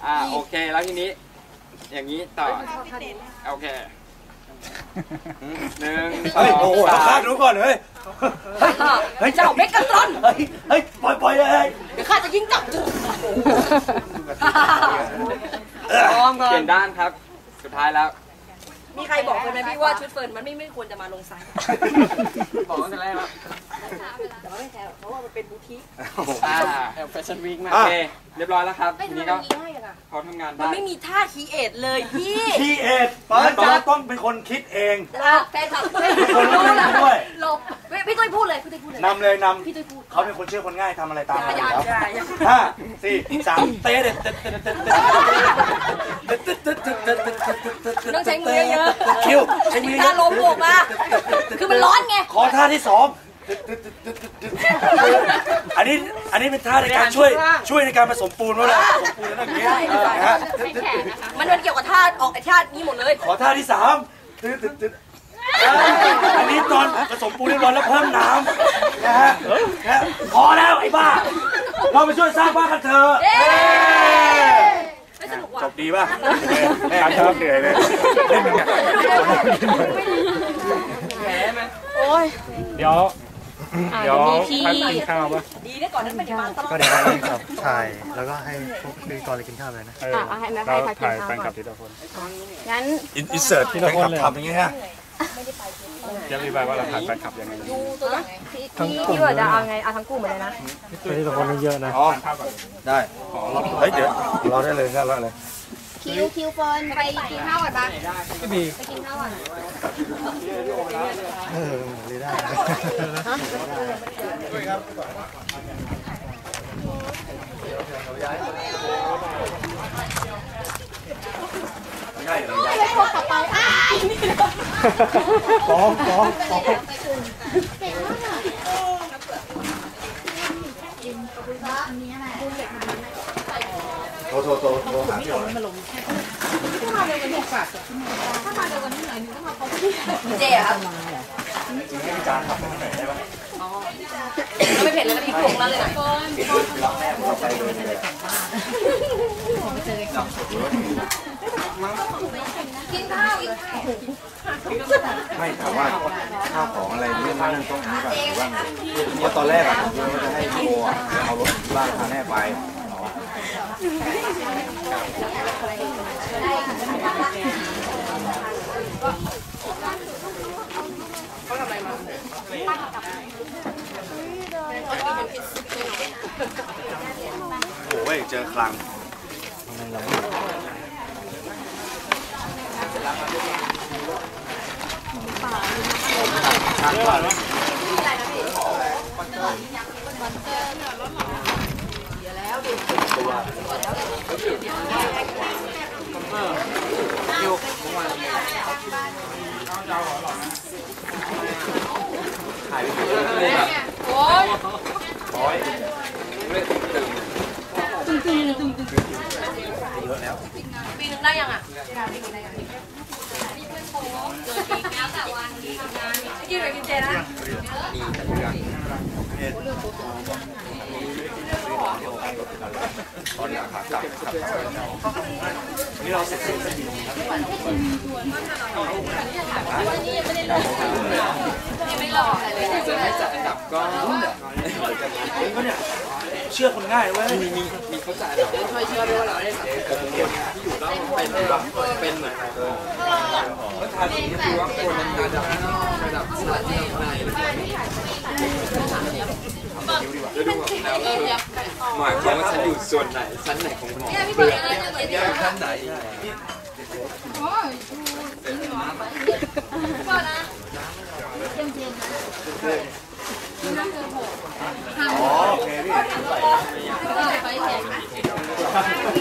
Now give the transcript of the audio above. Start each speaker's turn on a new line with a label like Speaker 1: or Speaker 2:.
Speaker 1: โอเคแล้วทีนี้อย่างนี้ต่อโอเค1 2 3
Speaker 2: ดูก่อนเฮ้ย
Speaker 3: เจ้าเมกะตรอน
Speaker 2: เฮ้ยปล่อยเลย
Speaker 3: เดี๋ยวข้าจะยิงกลับ
Speaker 1: เปลี่ยนด้านครับสุดท้ายแล้ว
Speaker 3: มีใครบอกเลยไหมพี่ว่าชุดเฟิร์นมันไม่ควรจะมาลงไซส์
Speaker 1: บอกตั้งแต่แรกแล้ว
Speaker 3: แต่ว่าไม่แคร์เพราะว่ามันเป็นบูติก
Speaker 1: แฟชั่นวีคมากโอเคเรียบร้อยแล้วครับทีนี้ก็เขาทำงานได้
Speaker 3: มันไม่มีท่าคีเอทเลยพี่
Speaker 2: คีเอทเปิดจะต้องเป็นคนคิดเอง
Speaker 3: แฟนคลับ
Speaker 2: คนรู้ด้วย
Speaker 3: หลบพี่ตุ้ยพูดเลยพี่ตุ้ยพูดเลย
Speaker 2: นำเลยน
Speaker 3: ำพี่ตุ้ยพูด
Speaker 2: เขาเป็นคนเชื่อคนง่ายทำอะไรตามมาแล้ว5 4 3เตะเด็ด
Speaker 3: ต้องใช้มือเยอะ
Speaker 2: คิวใช้มือ
Speaker 3: ท่าลมบวกมาคือมันร้อนไง
Speaker 2: ขอท่าที่2อันนี้เป็นท่าในการช่วยในการผสมปูนว่าผสมปูนนั่นอย่างนี้นะฮะ
Speaker 3: มันเกี่ยวกับท่าออกไอ้ท่านี้หมดเลย
Speaker 2: ขอท่าที่3อันนี้ตอนผสมปูนเรียบร้อยแล้วเพิ่มน้ำนะฮะพอแล้วไอ้บ้าเราไปช่วยสร้างบ้านกันเถอะจบดีป่ะแม่ชอบเหนื่อยเลยเล่นกัน
Speaker 1: แผลไหม
Speaker 3: โอ้ย
Speaker 4: เดี๋ยวพักกินข้าวป่ะ
Speaker 3: ดีได้ก่อนนั้นไม่ได้มาตลอด
Speaker 5: ก็เดี๋ยวให้กับถ่ายแล้วก็ให้พวกพิธีกรไปกินข้าวเลยนะ
Speaker 4: ให้แม่ให้ถ่ายแฟนคลับทีละคน
Speaker 3: งั้น
Speaker 2: อินเสิร์ตทีละคนเลยทำอย่างเงี้ย
Speaker 4: จะรีบายว่าเราถ่ายแฟนคลับยังไง
Speaker 3: พี่ว่าจะเอาไงเอาทั้งคู่หมดเลยนะ
Speaker 5: ทีละคนไม่เยอะนะ
Speaker 2: ได้เฮ้ยเดี๋ยวรอได้เลยครับรอเลย
Speaker 3: คิวเฟิร์นไปกินข้าวก่อนปะ
Speaker 4: ไม่มี
Speaker 3: ไปกินข้าวก่อน
Speaker 5: เลยได้
Speaker 2: ง่ายเลย
Speaker 3: ไม่พอกลับไป
Speaker 5: ฟ้องโทรหาพี่อ๋อย
Speaker 3: ถ้ามาเร็วกว่านี้หน่อยนึงต้องมาพบพี่เจ๊ครับ
Speaker 2: ให้พี่จานทำให้หน่อยได้ไหม
Speaker 3: ไม่เผ็ดเลยนะพี่ผงมาเลยนะกินข้าว
Speaker 2: ไม่ถามว่าข้าวของอะไรเรื่องนั้นต้องนี้แบบว่าเพราะตอนแรกอะผมจะให้พี่โอเอารถบ้านพาแม่ไปโอ้ยเจอคลังถ่ายไปเลยโอ้ย
Speaker 3: ตึงเยอะแล้วปีนึงได้ยังอ่ะกินไปกินเจนะ
Speaker 2: นี่เราเสร็จสิ้นสักที
Speaker 3: ไม่หลอกอะไรเลย
Speaker 1: จะให้จัดอันดับก็
Speaker 2: เนี่ยเชื่อคนง่ายเว้ย
Speaker 1: มีเขาจัดอันดับช่วยเชื่อด้วยว่าเราได้สังเกตคนที่อยู่แล้วเป็นเหมือนก็ทานอย่างนี้คือว่าคนมันระดับสถานีในจะดูแล้วหมายความว่าฉันอยู่ส่วนไหนชั้นไหนของหมอชั้นไหน
Speaker 2: โอเคพี่